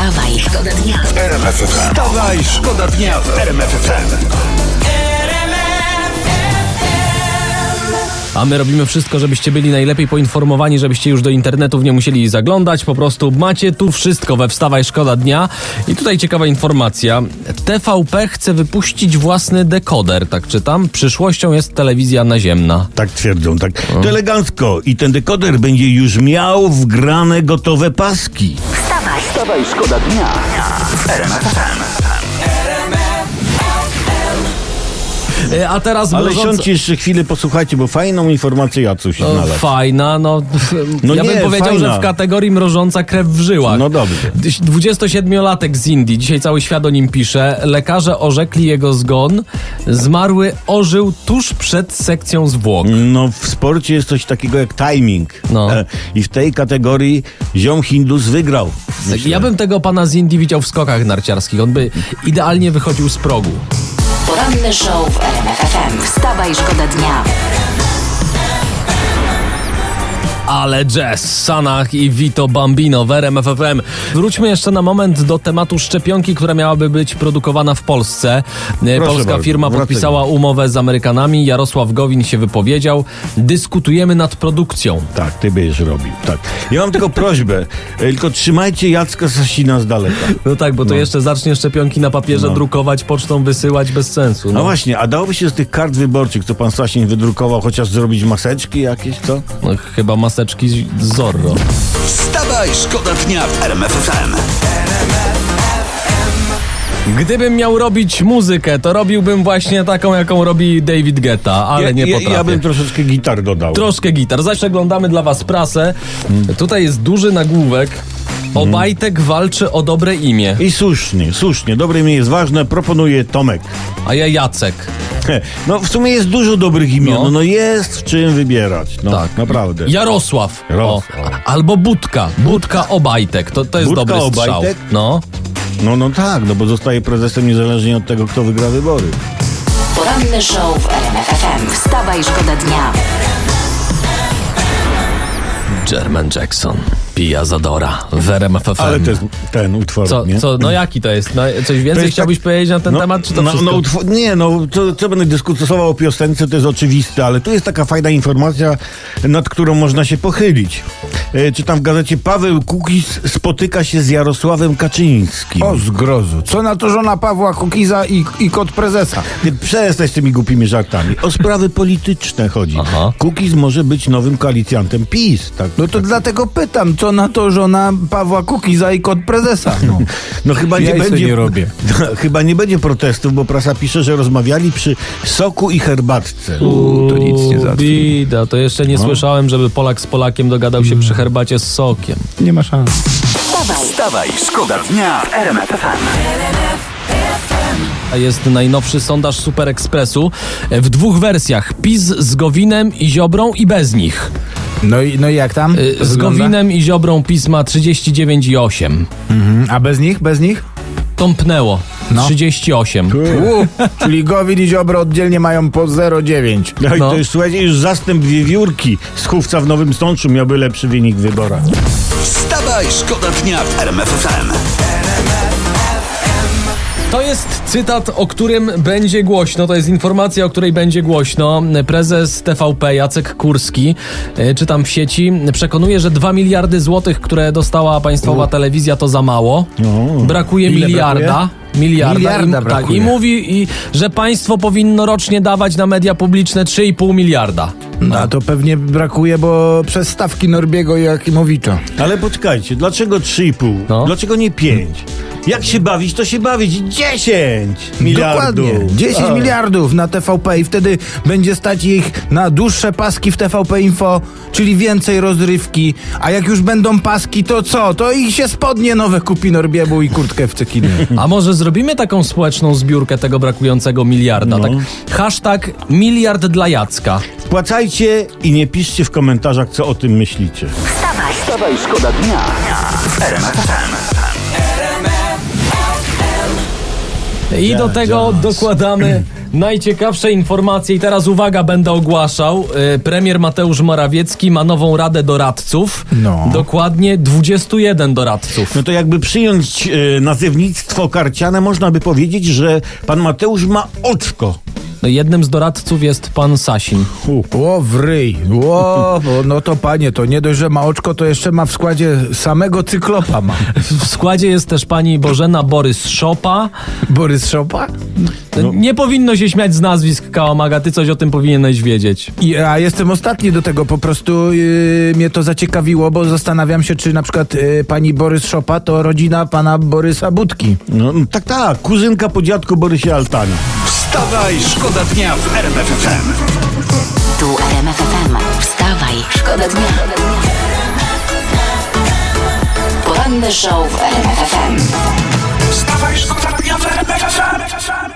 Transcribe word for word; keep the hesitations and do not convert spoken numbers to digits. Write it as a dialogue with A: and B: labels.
A: Wstawaj, szkoda dnia w R M F F M.
B: Wstawaj, szkoda dnia w R M F F M.
C: A my robimy wszystko, żebyście byli najlepiej poinformowani, żebyście już do internetów nie musieli zaglądać. Po prostu macie tu wszystko we Wstawaj, szkoda dnia. I tutaj ciekawa informacja. T V P chce wypuścić własny dekoder, tak czytam. Przyszłością jest telewizja naziemna.
D: Tak twierdzą, tak. To elegancko. I ten dekoder będzie już miał wgrane gotowe paski.
A: Wstawaj,
B: Wstawaj, szkoda dnia w R M F F M.
C: E, A teraz
D: Ale
C: mrożąca-
D: siądźcie jeszcze chwilę, posłuchajcie, bo fajną informację Jacuś
C: No,
D: znalazł.
C: fajna, no,
D: No
C: ja
D: nie,
C: bym powiedział,
D: fajna.
C: że w kategorii mrożąca krew w żyłach.
D: No dobrze.
C: dwudziestosiedmiolatek z Indii, dzisiaj cały świat o nim pisze. Lekarze orzekli jego zgon. Zmarły ożył tuż przed sekcją zwłok.
D: No w sporcie jest coś takiego jak timing.
C: No.
D: E, I w tej kategorii ziom Hindus wygrał. Myślę.
C: Ja bym tego pana z Indii widział w skokach narciarskich. On by idealnie wychodził z progu.
A: poranny show w R M F F M. Wstawaj, szkoda dnia.
C: Ale jazz, Sanach i Vito Bambino w R M F F M. Wróćmy jeszcze na moment do tematu szczepionki, która miałaby być produkowana w Polsce. E, Polska
D: bardzo,
C: firma
D: wracaj.
C: podpisała umowę z Amerykanami. Jarosław Gowin się wypowiedział. Dyskutujemy nad produkcją.
D: Tak, ty będziesz robił, tak. Ja mam tylko prośbę, e, tylko trzymajcie Jacka Sasina z daleka.
C: No tak, bo to jeszcze zacznie szczepionki na papierze
D: No.
C: drukować, pocztą wysyłać bez sensu.
D: No
C: No,
D: właśnie, a dałoby się z tych kart wyborczych, co pan Sasin wydrukował, chociaż zrobić maseczki jakieś, co?
C: no chyba maseczki z Zorro.
B: Wstawaj, szkoda dnia w R M F F M.
C: Gdybym miał robić muzykę, to robiłbym właśnie taką, jaką robi David Guetta, ale
D: ja,
C: nie
D: ja,
C: potrafię.
D: ja bym troszeczkę gitar dodał.
C: Troszkę gitar. Zaś przeglądamy dla was prasę. Tutaj jest duży nagłówek. Obajtek walczy o dobre imię,
D: I słusznie, słusznie, dobre imię jest ważne, proponuje Tomek.
C: a ja Jacek.
D: He, No w sumie jest dużo dobrych imion,
C: No.
D: no, no jest w czym wybierać, no
C: Tak.
D: naprawdę.
C: Jarosław.
D: Jarosław.
C: O. Albo Budka. Budka Obajtek. To, to jest
D: Budka
C: dobry strzał.
D: Obajtek?
C: No.
D: No, no tak, no bo zostaje prezesem niezależnie od tego, kto wygra wybory.
A: Poranny show w R M F F M. Wstawaj, szkoda dnia.
C: Jermaine Jackson. Pia Zadora. W R M F F M.
D: Ale to jest ten utwór,
C: Co,
D: nie?
C: co, no jaki to jest? No, coś więcej
D: jest
C: chciałbyś
D: tak-
C: powiedzieć na ten
D: no,
C: temat, czy to
D: no,
C: wszystko?
D: no, utwór, nie, no, co, co będę dyskutował o piosence, to jest oczywiste, ale tu jest taka fajna informacja, nad którą można się pochylić. E, czytam w gazecie, Paweł Kukiz spotyka się z Jarosławem Kaczyńskim.
E: O zgrozu. Co na to żona Pawła Kukiza i, i kot prezesa?
D: Ty przestań z tymi głupimi żartami. O sprawy polityczne chodzi.
C: Aha.
D: Kukiz może być nowym koalicjantem PiS, tak?
E: No to dlatego pytam, co na to żona Pawła Kukiza i kot prezesa? No.
D: No chyba nie
E: Jaj se
D: będzie.
E: nie robię.
D: Chyba nie będzie protestów, bo prasa pisze, że rozmawiali przy soku i herbatce.
E: U, to nic nie załatwi.
C: Bida, to jeszcze nie
D: No.
C: słyszałem, żeby Polak z Polakiem dogadał się przy herbacie z sokiem.
E: Nie ma szans.
A: Wstawaj,
B: Wstawaj, szkoda dnia w R M F F M.
C: A jest najnowszy sondaż Super Expressu w dwóch wersjach. PiS z Gowinem i Ziobrą i bez nich.
E: No i, no i jak tam?
C: Y,
E: to
C: Z
E: wygląda?
C: Gowinem i Ziobrą PiS ma trzydzieści dziewięć i osiem.
E: Mhm. A bez nich? Bez nich?
C: Tąpnęło.
E: No.
C: trzydzieści osiem.
E: U, czyli Gowin i Ziobro oddzielnie mają po zero przecinek dziewięć.
D: No i
C: No.
D: to już, słuchajcie, już zastęp wiewiórki z Chówca w Nowym Sączu miałby lepszy wynik w wyborach.
B: Wstawaj, szkoda dnia w R M F F M.
C: To jest cytat, o którym będzie głośno. To jest informacja, o której będzie głośno. Prezes T V P Jacek Kurski, e, czytam w sieci, przekonuje, że dwa miliardy złotych, które dostała państwowa telewizja, to za mało.
D: O.
C: Brakuje
E: Ile
C: miliarda. Miliarda.
E: Miliarda
C: I, tak,
E: brakuje.
C: I mówi, i, że państwo powinno rocznie dawać na media publiczne trzy i pół miliarda.
E: No a to pewnie brakuje, bo przez stawki Norbiego i Jakimowicza.
D: Ale poczekajcie, dlaczego trzy i pół?
C: No.
D: Dlaczego nie pięć? Jak się bawić, to się bawić dziesięć miliardów.
E: Dokładnie. dziesięć
D: A.
E: miliardów na T V P i wtedy będzie stać ich na dłuższe paski w T V P Info, czyli więcej rozrywki. A jak już będą paski, to co? To ich się spodnie nowe kupi Norbiemu i kurtkę w cekiny.
C: A może zrobimy taką społeczną zbiórkę tego brakującego miliarda?
D: No.
C: Tak, hashtag miliard dla Jacka.
D: Wpłacajcie i nie piszcie w komentarzach, co o tym myślicie.
A: wstawaj,
B: Wstawaj, szkoda dnia w R M F F M.
C: I do tego dokładamy Najciekawsze informacje i teraz uwaga, będę ogłaszał. E, Premier Mateusz Morawiecki ma nową radę doradców.
E: No.
C: Dokładnie dwudziestu jeden doradców.
D: No to jakby przyjąć e, nazewnictwo karciane, można by powiedzieć, że pan Mateusz ma oczko.
C: No, jednym z doradców jest pan Sasin.
E: O, w ryj. O, bo no to panie, to nie dość, że ma oczko, to jeszcze ma w składzie samego cyklopa ma.
C: W składzie jest też pani Bożena Borys-Szopa.
E: Borys Szopa?
C: No. Nie powinno się śmiać z nazwisk, Kałamaga, ty coś o tym powinieneś wiedzieć.
E: I, a jestem ostatni do tego, po prostu yy, mnie to zaciekawiło, bo zastanawiam się, czy na przykład yy, pani Borys Szopa to rodzina pana Borysa Budki.
D: No tak, tak, kuzynka po dziadku Borysie Altana.
B: Wstawaj, szkoda dnia w R M F F M.
A: Tu R M F F M. Wstawaj, szkoda dnia. Poranny show w R M F F M.
B: Wstawaj, szkoda dnia w R M F F M.